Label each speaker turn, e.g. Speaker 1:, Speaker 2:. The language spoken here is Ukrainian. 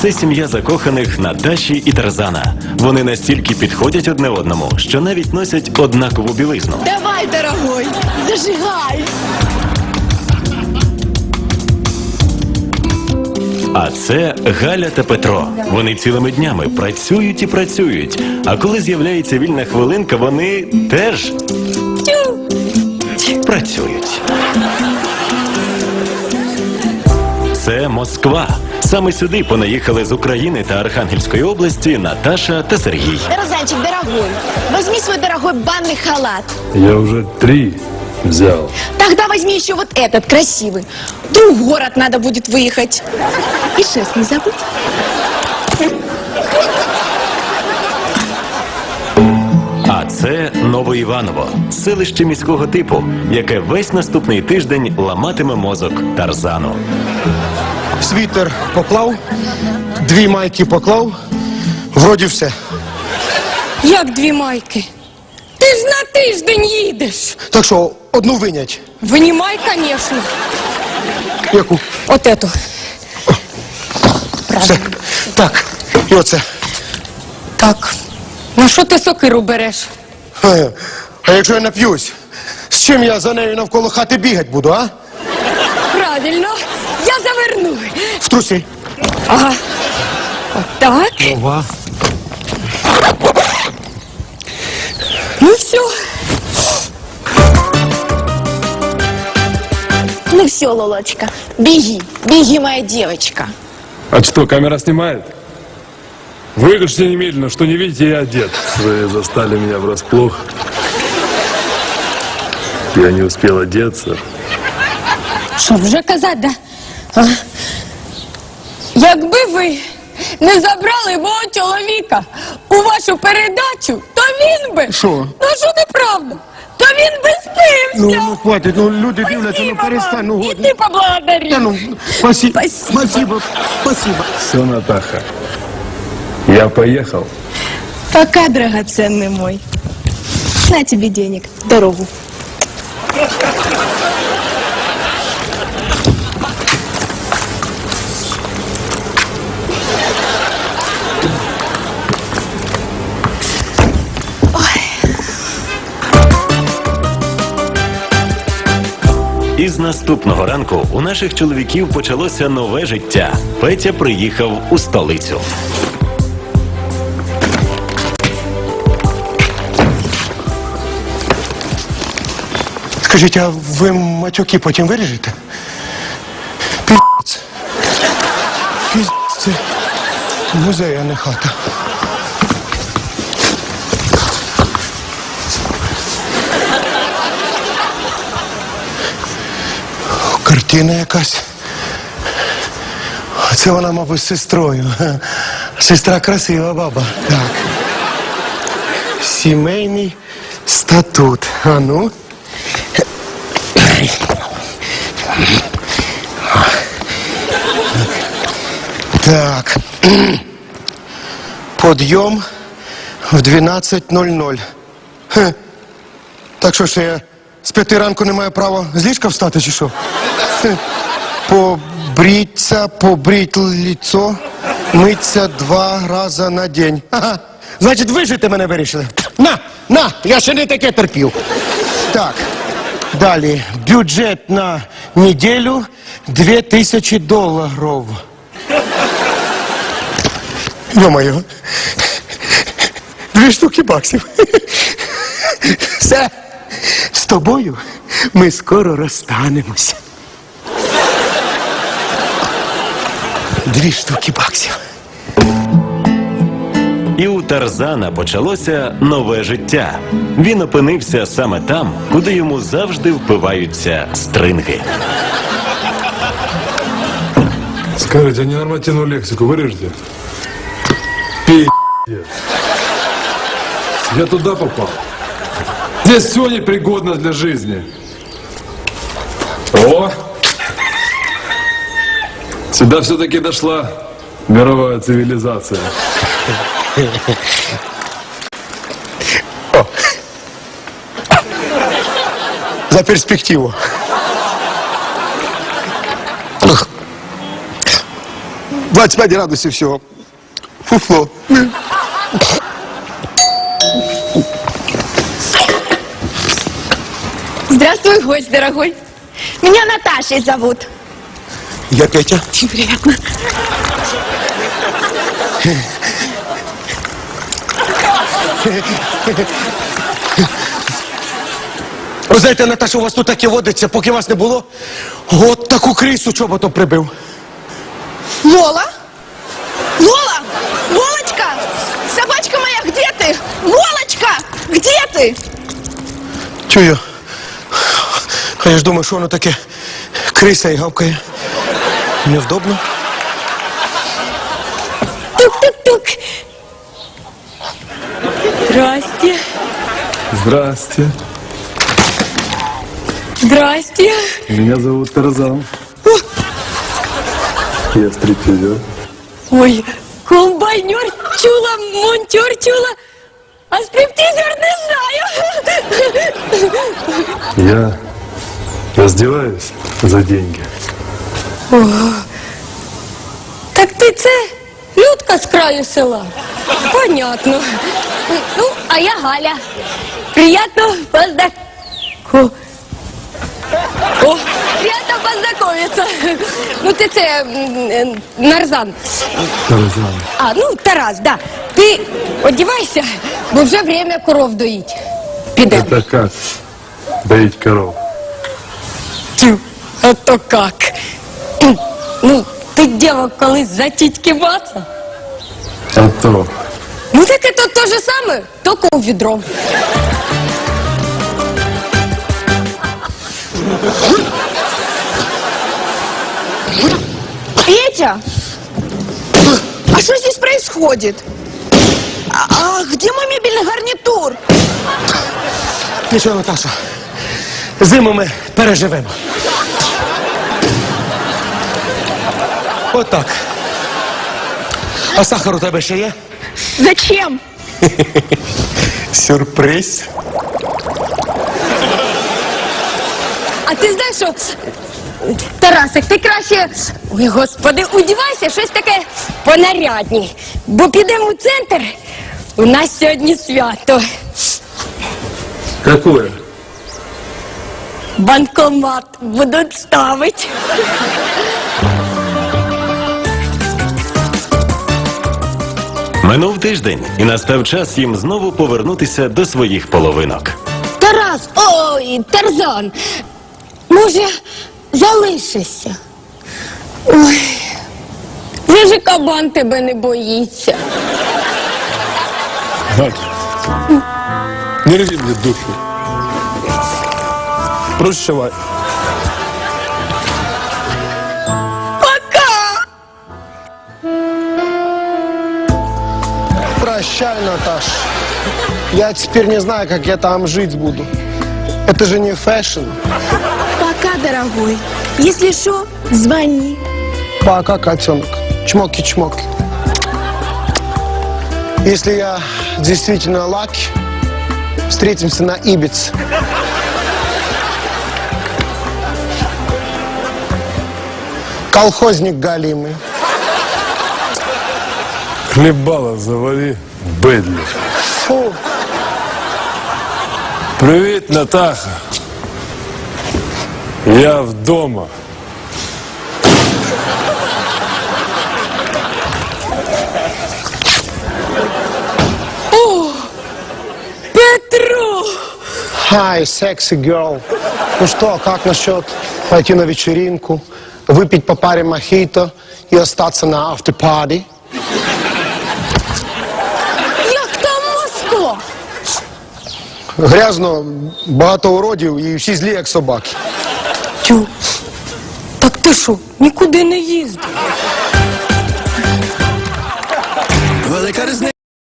Speaker 1: Це сім'я закоханих Наташі і Тарзана. Вони настільки підходять одне одному, що навіть носять однакову білизну.
Speaker 2: Давай, дорогой, зажигай!
Speaker 1: А це Галя та Петро. Вони цілими днями працюють і працюють. А коли з'являється вільна хвилинка, вони теж працюють. Це Москва. Саме сюди понаїхали з України та Архангельської області Наташа та Сергій.
Speaker 2: Тарзанчик, дорогой, возьми свой дорогой банный халат.
Speaker 3: Я уже 3 взял.
Speaker 2: Тогда возьми еще вот этот, красивый. Вдруг в город надо будет выехать. И шест не забудь.
Speaker 1: А це Новоіваново, селище міського типу, яке весь наступний тиждень ламатиме мозок Тарзану.
Speaker 4: Світер поклав, 2 майки поклав, вроді все.
Speaker 5: Як 2 майки? Ти ж на тиждень їдеш.
Speaker 4: Так що, одну винять.
Speaker 5: Винімай, конечно.
Speaker 4: Яку?
Speaker 5: От эту.
Speaker 4: Все. Так, і оце.
Speaker 5: Так. На що ти сокиру береш?
Speaker 4: А якщо я нап'юсь, з чим я за нею навколо хати бігати буду, а?
Speaker 5: Правильно. Я заверну.
Speaker 4: В труси.
Speaker 5: Ага. От так.
Speaker 4: Ова.
Speaker 5: Ну все.
Speaker 2: Ну все, Лолочка, беги, беги, моя девочка.
Speaker 3: А что, камера снимает? Выключите немедленно, что не видите, я одет. Вы застали меня врасплох. Я не успел одеться.
Speaker 5: Що вже казати, да? А? Якби ви не забрали мого чоловіка у вашу передачу, то він би...
Speaker 4: Що?
Speaker 5: Ну що неправда? То він би спився.
Speaker 4: Ну, хватить, ну люди дивляться, ну перестань, ну
Speaker 5: І
Speaker 4: годі.
Speaker 5: ти поблагодари.
Speaker 4: Та ну, спасибо.
Speaker 5: Спасибо.
Speaker 4: Спасибо. Спасибо.
Speaker 3: Все, Натаха. Я поехал.
Speaker 2: Пока, драгоценный мой. На тебе денег, дорогу.
Speaker 1: Із наступного ранку у наших чоловіків почалося нове життя. Петя приїхав у столицю.
Speaker 4: Скажіть, а ви матюки потім виріжете? Пі***ць. Пі***ць. Це музей, а не хата. Картина якась. Це вона, мабуть, з сестрою. Сестра красива баба. Так. Сімейний статут. А ну. Так. Подйом в 12:00. Так що ж я з 5 ранку не маю права з ліжка встати, чи що? Побріться, побріть лицо, миться 2 рази на день. Ага. Значить, вижити мене вирішили. На, я ще не таке терпів. Так, далі. Бюджет на неділю $2000. Йо-моє. 2 штуки баксів. Все. З тобою ми скоро розстанемося. 2 штуки баксів.
Speaker 1: І у Тарзана почалося нове життя. Він опинився саме там, куди йому завжди впиваються стринги.
Speaker 3: Скажите, а ненормативную лексику вырежете? Пи***ец. Я туда попал. Здесь все непригодно для жизни. О! Сюда все-таки дошла мировая цивилизация.
Speaker 4: За перспективу. 25 градусів всього. Фуфло.
Speaker 2: Здравствуй, гость дорогой. Меня Наташей зовут.
Speaker 4: Я Петя.
Speaker 2: Очень приятно.
Speaker 4: Ви знаєте, Наташа, у вас тут таке водиться, поки вас не було. От таку крису чоботом прибив.
Speaker 2: Лола? Лола? Лолочка? Собачка моя, где ты? Лолочка, где ты?
Speaker 4: Чую. А я ж думаю, що воно таке криса і гавкає. Невдобно.
Speaker 5: Тук-тук-тук. Здрасте.
Speaker 3: Здрасте.
Speaker 5: Здрасте.
Speaker 3: Меня зовут Тарзан. Я стрипизер.
Speaker 5: Ой, комбайнер чула, монтер чула, а стриптизер не знаю.
Speaker 3: Я раздеваюсь за деньги.
Speaker 5: Так ти це Людка з краю села? Понятно. Ну, а я Галя. Приятно О, приятно познакомиться. Ну, ти це Нарзан.
Speaker 3: Тарзан.
Speaker 5: А, ну, Тарас, да. Ти одівайся, бо вже время коров доїть. Підемо.
Speaker 3: Это как? Доить коров.
Speaker 5: Тю, а то как? Ну, ти дівок колись за тітьки баца?
Speaker 3: А то.
Speaker 5: Ну, так це те же саме, тільки у відро.
Speaker 2: Петя? А что здесь происходит? А где мой мебельный гарнитур?
Speaker 4: Нічого, Наташа. Зиму ми переживемо. Отак. А сахар у тебе ще є?
Speaker 2: Зачем?
Speaker 4: Сюрприз.
Speaker 5: А ти знаєш, що, Тарасик, ти краще, ой, господи, одівайся, щось таке понарядні. Бо підемо у центр, у нас сьогодні свято.
Speaker 3: Какое?
Speaker 5: Банкомат будуть ставити.
Speaker 1: Минув тиждень, і настав час їм знову повернутися до своїх половинок.
Speaker 5: Тарас, ой, Тарзан, може, залишишся? Ой, вже ж кабан тебе не боїться.
Speaker 3: Галь, не рви мне душу. Прощавай.
Speaker 5: Пока!
Speaker 4: Прощай, Наташ. Я теперь не знаю, как я там жить буду. Это же не фэшн.
Speaker 2: Пока, дорогой. Если что, звони.
Speaker 4: Пока, котенок. Чмоки-чмоки. Если я действительно лаки, встретимся на Ибице. Колхозник галимый.
Speaker 3: Хлебало завали в Бэдли.
Speaker 4: Фу.
Speaker 3: Привет, Натаха. Я вдома.
Speaker 5: Петро!
Speaker 4: Hi, sexy girl. Ну что, как насчет пойти на вечеринку, выпить по паре мохито и остаться на автопади?
Speaker 5: Як там Москва?
Speaker 4: Грязно, багато уродів і всі злі, як собаки.
Speaker 5: Тю, так ти що, нікуди не їздив?